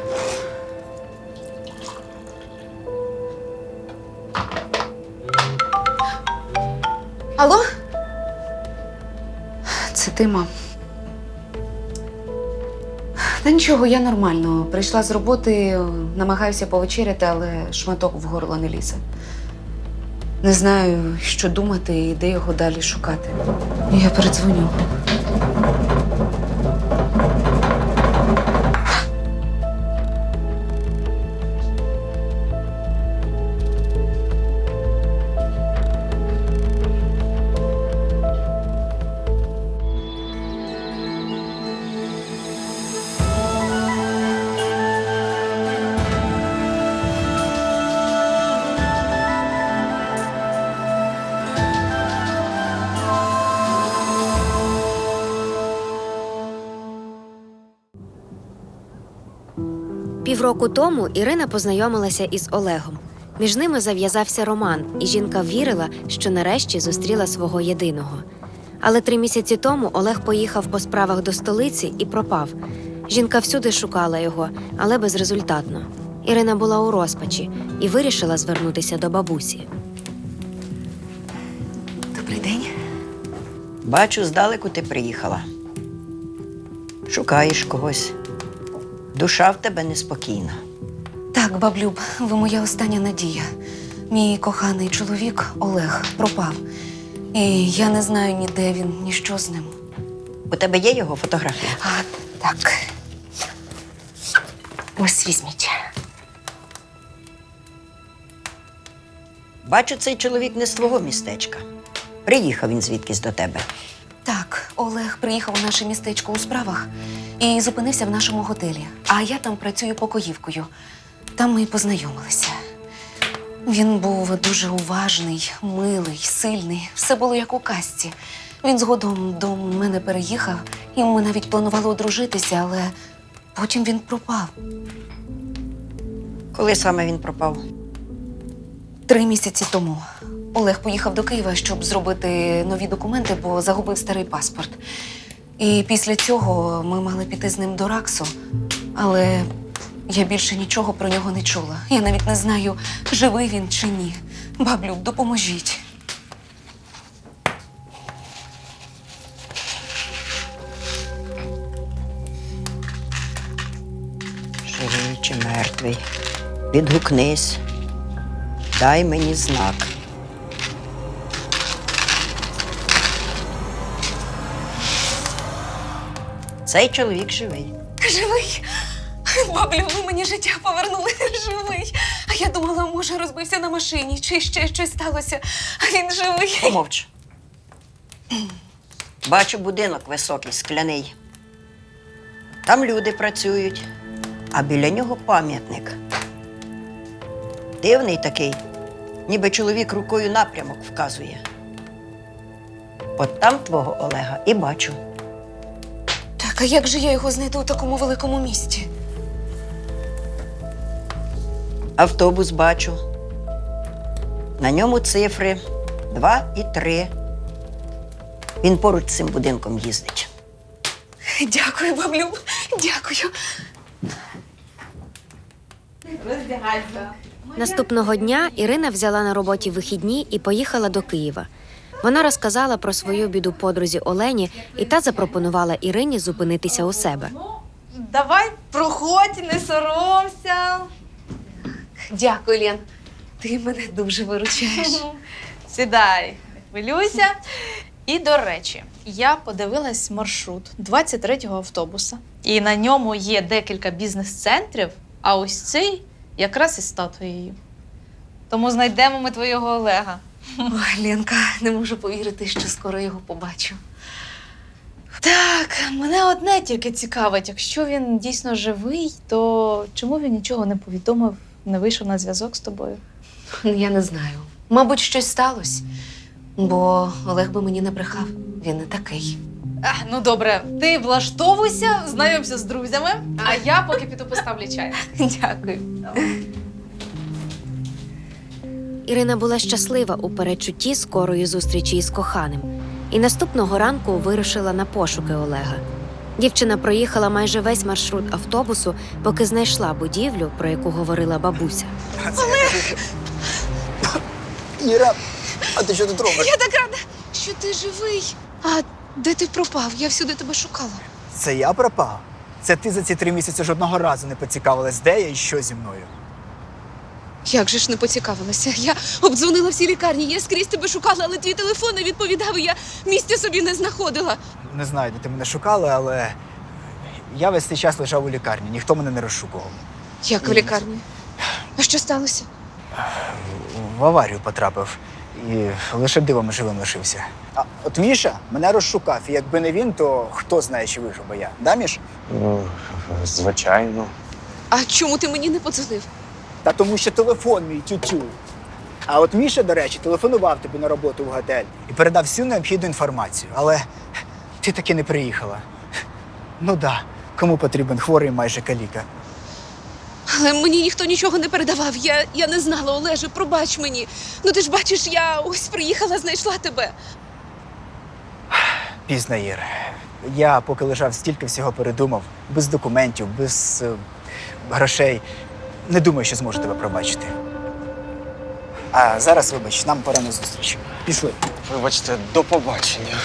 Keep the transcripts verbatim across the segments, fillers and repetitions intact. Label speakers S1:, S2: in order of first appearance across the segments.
S1: Алло? Це ти, мам? Та нічого, я нормально. Прийшла з роботи, намагаюся повечеряти, але шматок в горло не лізе. Не знаю, що думати і де його далі шукати. Я передзвоню.
S2: Півроку тому Ірина познайомилася із Олегом. Між ними зав'язався роман, і жінка вірила, що нарешті зустріла свого єдиного. Але три місяці тому Олег поїхав по справах до столиці і пропав. Жінка всюди шукала його, але безрезультатно. Ірина була у розпачі і вирішила звернутися до бабусі.
S1: Добрий день.
S3: Бачу, здалеку ти приїхала. Шукаєш когось. Душа в тебе неспокійна.
S1: Так, баблюб, ви моя остання надія. Мій коханий чоловік Олег пропав. І я не знаю ні де він, ні що з ним.
S3: У тебе є його фотографія?
S1: А, так. Ось візьміть.
S3: Бачу, цей чоловік не з твого містечка. Приїхав він звідкись до тебе.
S1: Так, Олег приїхав у наше містечко у справах і зупинився в нашому готелі. А я там працюю покоївкою. Там ми й познайомилися. Він був дуже уважний, милий, сильний. Все було як у казці. Він згодом до мене переїхав, і ми навіть планували одружитися, але потім він пропав.
S3: Коли саме він пропав?
S1: Три місяці тому. Олег поїхав до Києва, щоб зробити нові документи, бо загубив старий паспорт. І після цього ми мали піти з ним до РАКСу, але я більше нічого про нього не чула. Я навіть не знаю, живий він чи ні. Баблюк, допоможіть.
S3: Живий чи мертвий? Відгукнись. Дай мені знак. Цей чоловік живий.
S1: Живий? Баблю, ви мені життя повернули. Живий. А я думала, може, розбився на машині, чи ще щось сталося. А він живий.
S3: Помовч. Бачу будинок високий, скляний. Там люди працюють, а біля нього пам'ятник. Дивний такий, ніби чоловік рукою напрямок вказує. От там твого Олега і бачу.
S1: Так, а як же я його знайду у такому великому місті?
S3: Автобус бачу. На ньому цифри два і три. Він поруч з цим будинком їздить.
S1: Дякую, баблю. Дякую.
S2: Наступного дня Ірина взяла на роботі вихідні і поїхала до Києва. Вона розказала про свою біду подрузі Олені, і та запропонувала Ірині зупинитися у себе.
S4: Давай, проходь, не соромся.
S1: Дякую, Лен. Ти мене дуже виручаєш.
S4: Сідай, не хвилюйся. І, до речі, я подивилась маршрут двадцять третього автобуса. І на ньому є декілька бізнес-центрів, а ось цей якраз із статуєю. Тому знайдемо ми твого Олега.
S1: Ой, Ленка, не можу повірити, що скоро його побачу.
S4: Так, мене одне тільки цікавить. Якщо він дійсно живий, то чому він нічого не повідомив, не вийшов на зв'язок з тобою?
S1: Я не знаю. Мабуть, щось сталося. Бо Олег би мені не брехав. Він не такий.
S4: А, ну добре, ти влаштовуйся, знайомся з друзями, а я поки піду поставлю чай.
S1: Дякую.
S2: Ірина була щаслива у передчутті скорої зустрічі із коханим. І наступного ранку вирушила на пошуки Олега. Дівчина проїхала майже весь маршрут автобусу, поки знайшла будівлю, про яку говорила бабуся.
S5: Іра, а ти що тут робиш?
S1: Я так рада, що ти живий. А де ти пропав? Я всюди тебе шукала.
S5: Це я пропав? Це ти за ці три місяці жодного разу не поцікавилась, де я і що зі мною.
S1: Як же ж не поцікавилася? Я обдзвонила всі лікарні, я скрізь тебе шукала, але твій телефон не відповідав, і я місця собі не знаходила.
S5: Не знаю, де ти мене шукала, але я весь цей час лежав у лікарні, ніхто мене не розшукував.
S1: Як в лікарні? А що сталося?
S5: В аварію потрапив і лише дивом живим лишився. А от Міша мене розшукав, і якби не він, то хто знає, чи вижив би я. Да, Міш?
S6: Ну, звичайно.
S1: А чому ти мені не подзвонив?
S5: Та тому що телефон мій тютю. А от Міша, до речі, телефонував тобі на роботу в готель і передав всю необхідну інформацію. Але ти таки не приїхала. Ну да, кому потрібен хворий майже каліка.
S1: Але мені ніхто нічого не передавав. Я, я не знала, Олеже, пробач мені. Ну ти ж бачиш, я ось приїхала, знайшла тебе.
S5: Пізно, Ір. Я поки лежав, стільки всього передумав. Без документів, без е, грошей. Не думаю, що зможу тебе пробачити. А зараз, вибач, нам пора на зустріч. Пішли.
S6: Вибачте, до побачення.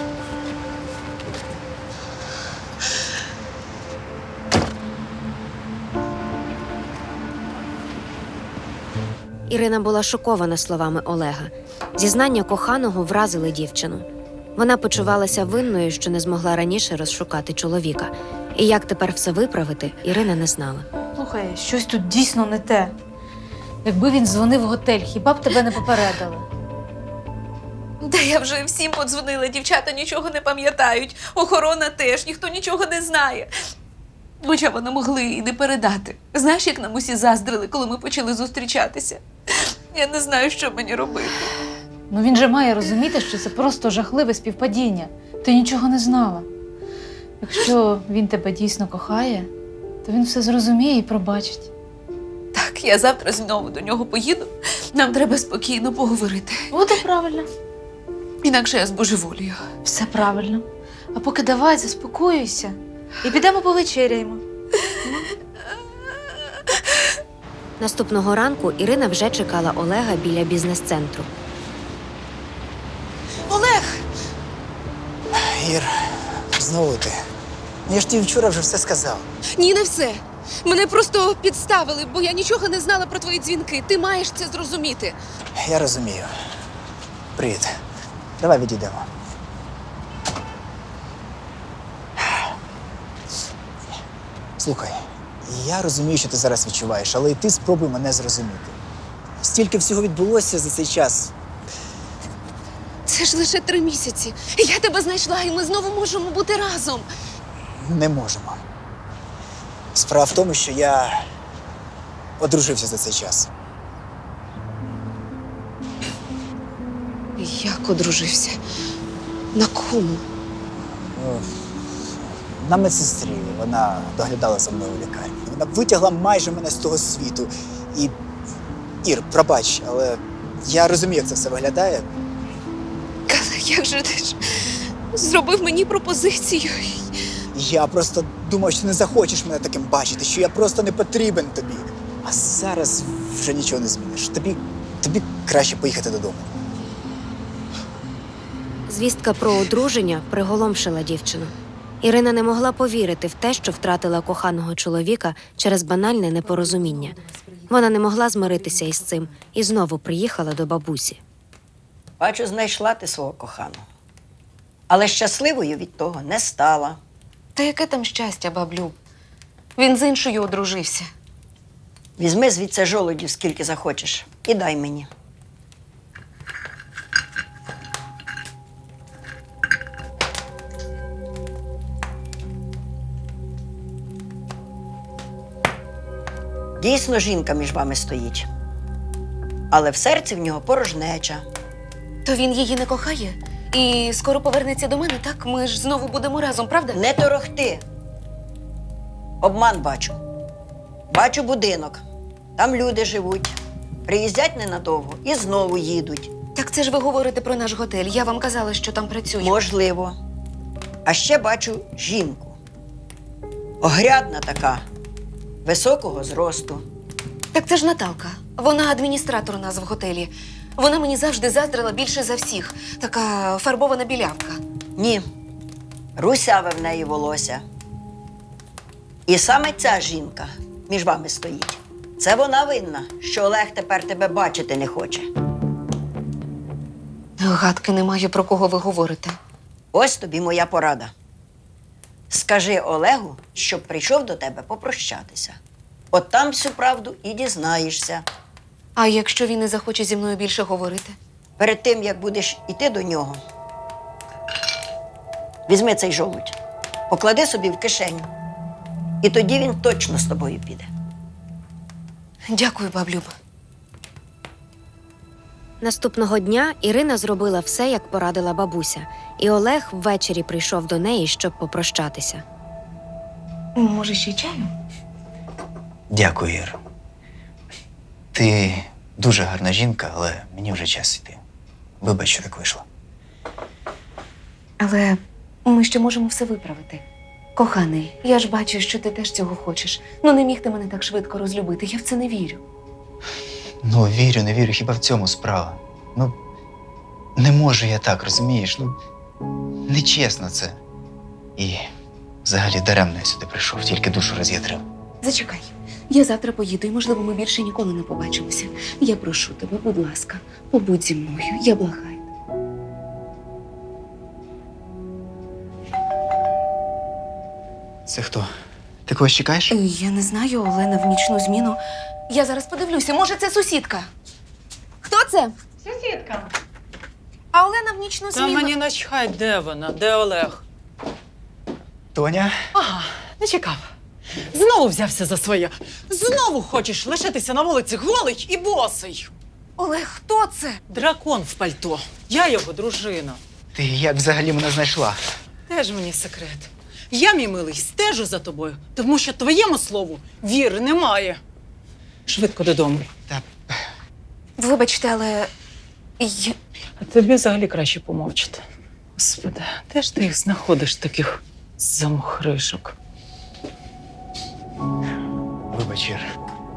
S2: Ірина була шокована словами Олега. Зізнання коханого вразили дівчину. Вона почувалася винною, що не змогла раніше розшукати чоловіка. І як тепер все виправити, Ірина не знала.
S4: Слухай, щось тут дійсно не те. Якби він дзвонив в готель, хіба б тебе не попередили?
S1: Та я вже всім подзвонила, дівчата нічого не пам'ятають. Охорона теж, ніхто нічого не знає. Хоча вони могли і не передати. Знаєш, як нам усі заздрили, коли ми почали зустрічатися? Я не знаю, що мені робити.
S4: Ну він же має розуміти, що це просто жахливе співпадіння. Ти нічого не знала. Якщо він тебе дійсно кохає, то він все зрозуміє і пробачить.
S1: Так, я завтра знову до нього поїду. Нам треба спокійно поговорити.
S4: Буде правильно.
S1: Інакше я збожеволію.
S4: Все правильно. А поки давай, заспокоюйся. І підемо повечеряємо.
S2: Наступного ранку Ірина вже чекала Олега біля бізнес-центру.
S1: Олег!
S5: Ір, знову ти. Я ж тобі вчора вже все сказав.
S1: Ні, не все. Мене просто підставили, бо я нічого не знала про твої дзвінки. Ти маєш це зрозуміти.
S5: Я розумію. Привіт. Давай відійдемо. Слухай, я розумію, що ти зараз відчуваєш, але і ти спробуй мене зрозуміти. Стільки всього відбулося за цей час.
S1: Це ж лише три місяці. Я тебе знайшла, і ми знову можемо бути разом.
S5: Не можемо. Справа в тому, що я одружився за цей час.
S1: Як одружився? На кому?
S5: Ну, на медсестрі. Вона доглядала за мною у лікарні. Вона витягла майже мене з того світу. І, Ір, пробач, але я розумію, як це все виглядає.
S1: Але як же ти ж зробив мені пропозицію?
S5: Я просто думав, що не захочеш мене таким бачити, що я просто не потрібен тобі. А зараз вже нічого не зміниш. Тобі, тобі краще поїхати додому.
S2: Звістка про одруження приголомшила дівчину. Ірина не могла повірити в те, що втратила коханого чоловіка через банальне непорозуміння. Вона не могла змиритися із цим і знову приїхала до бабусі.
S3: Бачу, знайшла ти свого коханого. Але щасливою від того не стала.
S1: Та яке там щастя, баблю? Він з іншою одружився.
S3: Візьми звідси жолудів, скільки захочеш, і дай мені. Дійсно, жінка між вами стоїть. Але в серці в нього порожнеча.
S1: То він її не кохає? І скоро повернеться до мене, так? Ми ж знову будемо разом, правда?
S3: Не торохти. Обман бачу. Бачу будинок. Там люди живуть. Приїздять ненадовго і знову їдуть.
S1: Так це ж ви говорите про наш готель. Я вам казала, що там працюю.
S3: Можливо. А ще бачу жінку. Огрядна така, високого зросту.
S1: Так це ж Наталка. Вона адміністратор у нас в готелі. Вона мені завжди заздрила більше за всіх. Така фарбована білявка.
S3: Ні, русяве в неї волосся. І саме ця жінка між вами стоїть. Це вона винна, що Олег тепер тебе бачити не хоче.
S1: Гадки немає, про кого ви говорите.
S3: Ось тобі моя порада. Скажи Олегу, щоб прийшов до тебе попрощатися. От там всю правду і дізнаєшся.
S1: А якщо він не захоче зі мною більше говорити?
S3: Перед тим, як будеш іти до нього, візьми цей жолудь, поклади собі в кишеню. І тоді він точно з тобою піде.
S1: Дякую, баблюб.
S2: Наступного дня Ірина зробила все, як порадила бабуся, і Олег ввечері прийшов до неї, щоб попрощатися.
S1: Може, ще чаю?
S5: Дякую, Ір. Ти дуже гарна жінка, але мені вже час йти. Вибач, що так вийшло.
S1: Але ми ще можемо все виправити. Коханий, я ж бачу, що ти теж цього хочеш. Ну не міг ти мене так швидко розлюбити, я в це не вірю.
S5: Ну, вірю, не вірю, хіба в цьому справа. Ну, не можу я так, розумієш? Ну, нечесно це. І взагалі даремно я сюди прийшов, тільки душу роз'ядрив.
S1: Зачекай, я завтра поїду, і, можливо, ми більше ніколи не побачимося. Я прошу тебе, будь ласка, побудь зі мною, я благаю.
S5: Це хто? Ти когось чекаєш?
S1: Е, Я не знаю, Олена в нічну зміну. Я зараз подивлюся, може, це сусідка. Хто це?
S4: Сусідка.
S1: А Олена в нічну
S7: Та
S1: зміну.
S7: мені начхать, де вона, де Олег.
S5: Тоня?
S7: Ага, не чекав. Знову взявся за своє. Знову хочеш лишитися на вулиці голий і босий.
S1: Олег, хто це?
S7: Дракон в пальто. Я його дружина.
S5: Ти як взагалі мене знайшла?
S7: Теж мені секрет. Я, мій милий, стежу за тобою, тому що твоєму слову віри немає. Швидко додому.
S5: Та
S1: Вибачте, але я...
S7: А тобі взагалі краще помовчати. Господи, де ж ти їх знаходиш, таких замухришок?
S5: вибач, Ір.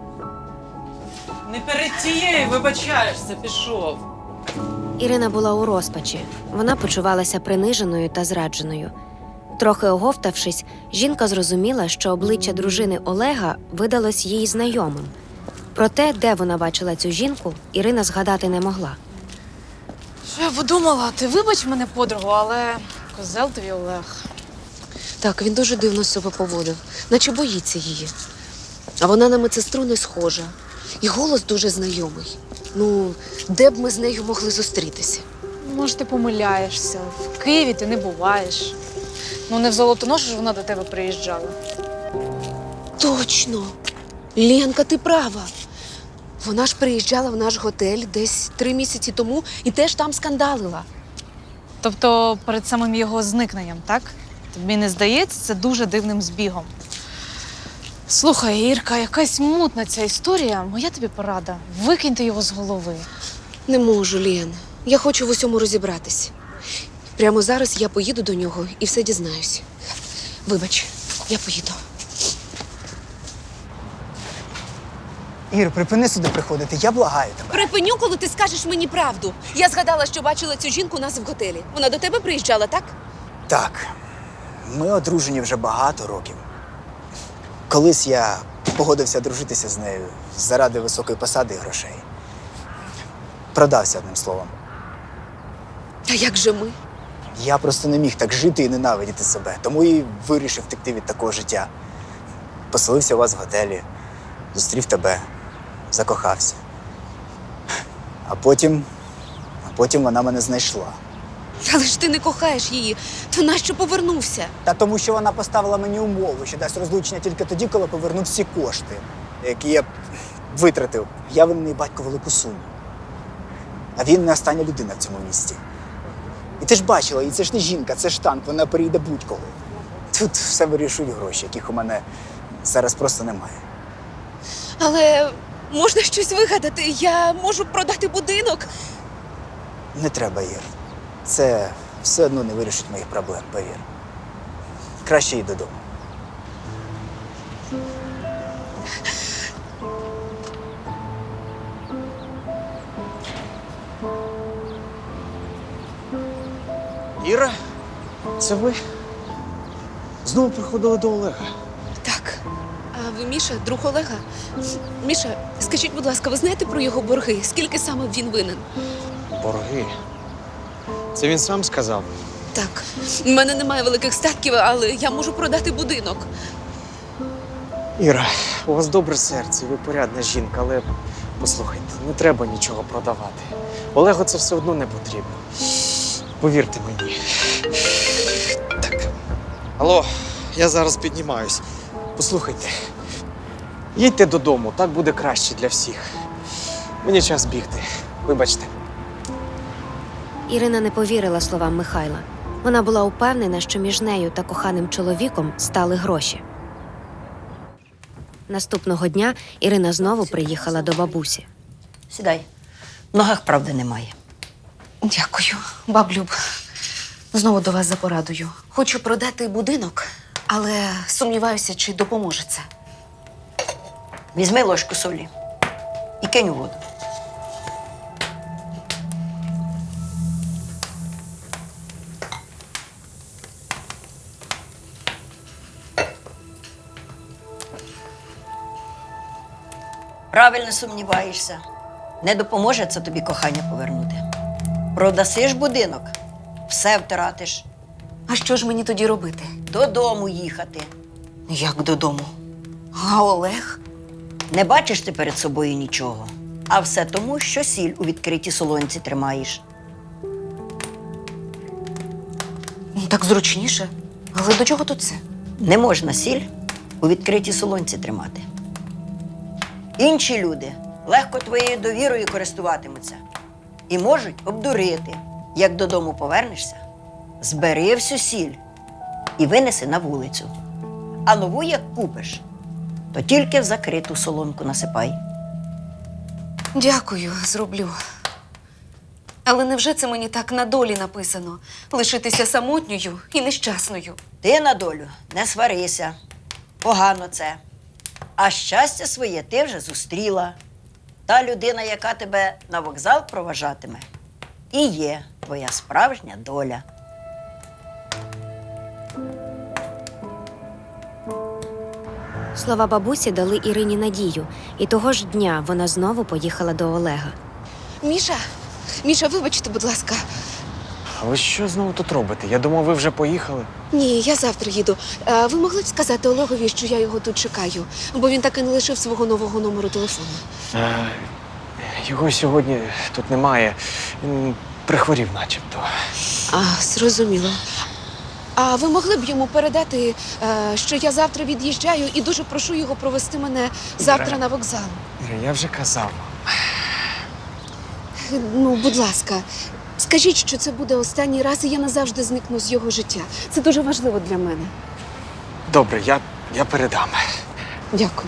S7: Не перед тією вибачаєшся, пішов.
S2: Ірина була у розпачі. Вона почувалася приниженою та зрадженою. Трохи оговтавшись, жінка зрозуміла, що обличчя дружини Олега видалось їй знайомим. Проте, де вона бачила цю жінку, Ірина згадати не могла.
S4: Що я подумала, ти вибач мене, подругу, але козел тобі Олег.
S1: Так, він дуже дивно себе поводив, наче боїться її. А вона на медсестру не схожа. І голос дуже знайомий. Ну, де б ми з нею могли зустрітися?
S4: Може, ти помиляєшся. В Києві ти не буваєш. Ну, не в Золотоношу ж вона до тебе приїжджала.
S1: Точно! Ленка, ти права. Вона ж приїжджала в наш готель десь три місяці тому і теж там скандалила.
S4: Тобто перед самим його зникненням, так? Тобі не здається це дуже дивним збігом. Слухай, Ірка, якась мутна ця історія. Моя тобі порада. Викиньте його з голови.
S1: Не можу, Лен. Я хочу в усьому розібратись. Прямо зараз я поїду до нього і все дізнаюсь. Вибач, я поїду.
S5: Ір, припини сюди приходити, я благаю тебе.
S1: Припиню, коли ти скажеш мені правду. Я згадала, що бачила цю жінку у нас в готелі. Вона до тебе приїжджала, так?
S5: Так, ми одружені вже багато років. Колись я погодився дружитися з нею заради високої посади і грошей. Продався, одним словом.
S1: Та як же ми?
S5: Я просто не міг так жити і ненавидіти себе, тому і вирішив втекти від такого життя. Поселився у вас в готелі, зустрів тебе, закохався. А потім, а потім вона мене знайшла.
S1: Але ж ти не кохаєш її, то нащо повернувся?
S5: Та тому, що вона поставила мені умову, що дасть розлучення тільки тоді, коли поверну всі кошти, які я витратив. Я винний батько велику суму. А він не остання людина в цьому місті. І ти ж бачила, і це ж не жінка, це ж танк, вона перейде будь-кого. Тут все вирішують гроші, яких у мене зараз просто немає.
S1: Але можна щось вигадати. Я можу продати будинок.
S5: Не треба, Ір. Це все одно не вирішить моїх проблем, повір. Краще їй додому.
S6: Іра, це ви? Знову приходили до Олега.
S8: Так. А ви Міша, друг Олега? Міша, скажіть, будь ласка, ви знаєте про його борги? Скільки саме він винен?
S6: Борги. Це він сам сказав.
S8: Так. У мене немає великих статків, але я можу продати будинок.
S6: Іра, у вас добре серце, ви порядна жінка, але послухайте, не треба нічого продавати. Олегу це все одно не потрібно. Повірте мені. Так. Алло, я зараз піднімаюсь. Послухайте. Їдьте додому, так буде краще для всіх. Мені час бігти. Вибачте.
S2: Ірина не повірила словам Михайла. Вона була упевнена, що між нею та коханим чоловіком стали гроші. Наступного дня Ірина знову приїхала до бабусі.
S3: Сідай. В ногах правди немає.
S1: Дякую, баблюб. Знову до вас за порадою. Хочу продати будинок, але сумніваюся, чи допоможе це.
S3: Візьми ложку солі і кинь у воду. Правильно сумніваєшся. Не допоможе це тобі кохання повернути. Продасиш будинок, все втратиш.
S1: А що ж мені тоді робити?
S3: Додому їхати.
S1: Як додому? А Олег?
S3: Не бачиш ти перед собою нічого. А все тому, що сіль у відкритій солонці тримаєш.
S1: Ну, так зручніше. Але до чого тут це?
S3: Не можна сіль у відкритій солонці тримати. Інші люди легко твоєю довірою користуватимуться і можуть обдурити. Як додому повернешся, збери всю сіль і винеси на вулицю. А нову, як купиш, то тільки в закриту солонку насипай.
S1: Дякую, зроблю. Але невже це мені так на долі написано? Лишитися самотньою і нещасною?
S3: Ти на долю не сварися. Погано це. А щастя своє ти вже зустріла. Та людина, яка тебе на вокзал проважатиме, і є твоя справжня доля.
S2: Слова бабусі дали Ірині надію, і того ж дня вона знову поїхала до Олега.
S8: Міша, Міша, вибачте, будь ласка.
S6: А ви що знову тут робите? Я думав, ви вже поїхали.
S8: Ні, я завтра їду. А ви могли б сказати Олегові, що я його тут чекаю? Бо він так і не лишив свого нового номеру телефону.
S6: Е, його сьогодні тут немає. Він прихворів начебто.
S8: А, зрозуміло. А ви могли б йому передати, е, що я завтра від'їжджаю і дуже прошу його провести мене завтра
S6: Іра.
S8: на вокзал?
S6: Іра, я вже казав.
S8: Ну, будь ласка, скажіть, що це буде останній раз, і я назавжди зникну з його життя. Це дуже важливо для мене.
S6: Добре, я, я передам.
S8: Дякую.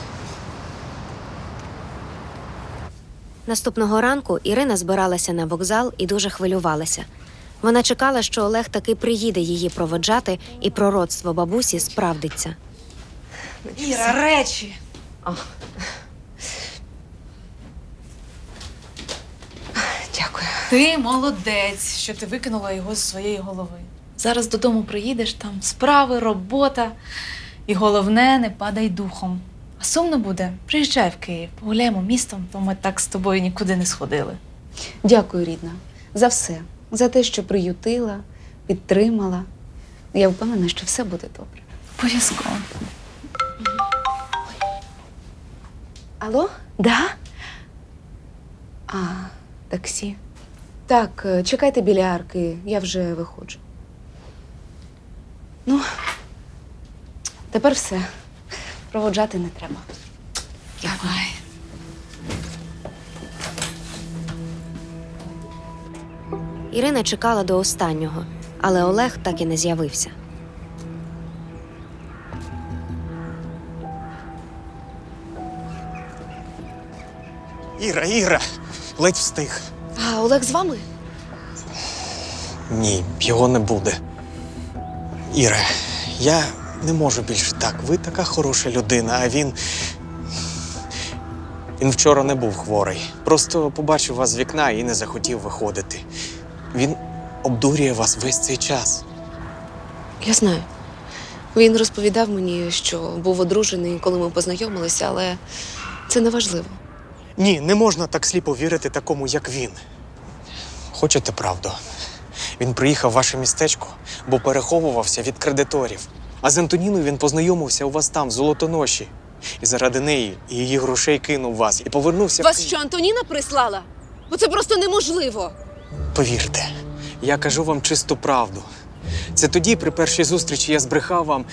S2: Наступного ранку Ірина збиралася на вокзал і дуже хвилювалася. Вона чекала, що Олег таки приїде її проводжати, і пророцтво бабусі справдиться.
S4: Іра, речі.
S1: Дякую.
S4: Ти молодець, що ти викинула його з своєї голови. Зараз додому приїдеш, там справи, робота. І головне, не падай духом. А сумно буде? Приїжджай в Київ, погуляємо містом, то ми так з тобою нікуди не сходили.
S8: Дякую, рідна, за все. За те, що приютила, підтримала. Я впевнена, що все буде добре.
S4: Обов'язково.
S8: Алло? Да? А, таксі. Так, е, чекайте біля арки, я вже виходжу. Ну, тепер все. Проводжати не треба.
S4: Давай.
S2: Ірина чекала до останнього, але Олег так і не з'явився.
S6: Іра, Іра, ледь встиг.
S8: А Олег з вами?
S6: Ні, його не буде. Іра, я не можу більше так. Ви така хороша людина, а він. Він вчора не був хворий. Просто побачив вас з вікна і не захотів виходити. Він обдурює вас весь цей час.
S8: Я знаю. Він розповідав мені, що був одружений, коли ми познайомилися, але це не важливо.
S6: Ні, не можна так сліпо вірити такому, як він. Хочете правду? Він приїхав в ваше містечко, бо переховувався від кредиторів. А з Антоніною він познайомився у вас там, в Золотоноші. І заради неї і її грошей кинув вас і повернувся в
S8: Вас
S6: Київ.
S8: що, Антоніна прислала? Бо це просто неможливо.
S6: Повірте, я кажу вам чисту правду. Це тоді, при першій зустрічі, я збрехав вам.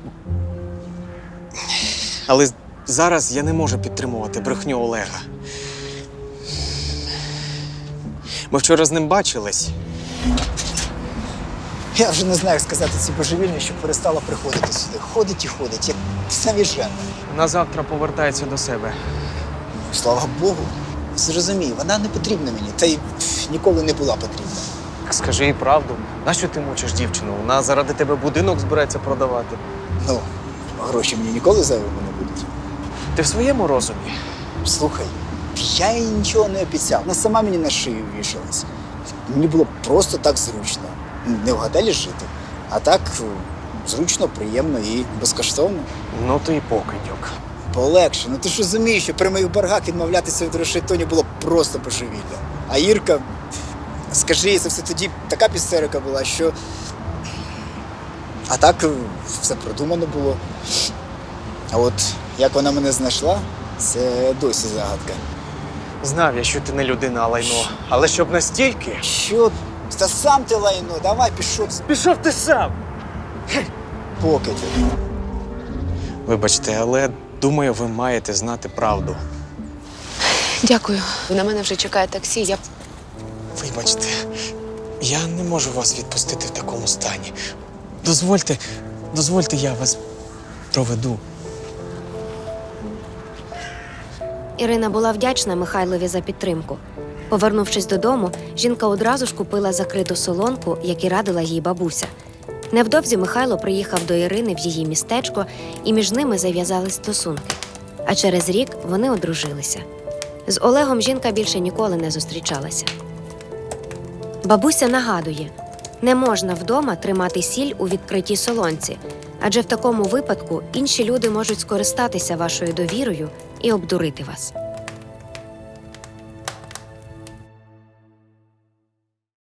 S6: Але зараз я не можу підтримувати брехню Олега. Ми вчора з ним бачились.
S5: Я вже не знаю, як сказати цій божевільні, щоб перестала приходити сюди. Ходить і ходить, як навіжена.
S6: На завтра повертається до себе.
S5: Слава Богу. Зрозумій, вона не потрібна мені, та й пф, ніколи не була потрібна.
S6: Скажи їй правду. Нащо ти мучиш дівчину? Вона заради тебе будинок збирається продавати.
S5: Ну, гроші мені ніколи зайвими не будуть.
S6: Ти в своєму розумі?
S5: Слухай, я їй нічого не обіцяв. Вона сама мені на шию вішалась. Мені було просто так зручно. Не в готелі жити, а так е, зручно, приємно і безкоштовно.
S6: Ну ти і покидьок.
S5: Полегше. Ну ти ж розумієш, що при моїх боргах відмовлятися від грошей Тоні було просто божевілля. А Ірка, скажи їй, це все тоді така пістерика була, що. А так е, все продумано було. А от як вона мене знайшла, це досі загадка.
S6: Знав я, що ти не людина, а лайно. Але щоб настільки.
S5: Що? Та сам ти лайно, давай пішов
S6: Пішов ти сам!
S5: покидьок.
S6: Вибачте, але думаю, ви маєте знати правду.
S8: Дякую. На мене вже чекає таксі. Я
S6: Вибачте, я не можу вас відпустити в такому стані. Дозвольте, дозвольте, я вас проведу.
S2: Ірина була вдячна Михайлові за підтримку. Повернувшись додому, жінка одразу ж купила закриту солонку, як і радила їй бабуся. Невдовзі Михайло приїхав до Ірини в її містечко, і між ними зав'язались стосунки. А через рік вони одружилися. З Олегом жінка більше ніколи не зустрічалася. Бабуся нагадує, не можна вдома тримати сіль у відкритій солонці, адже в такому випадку інші люди можуть скористатися вашою довірою і обдурити вас.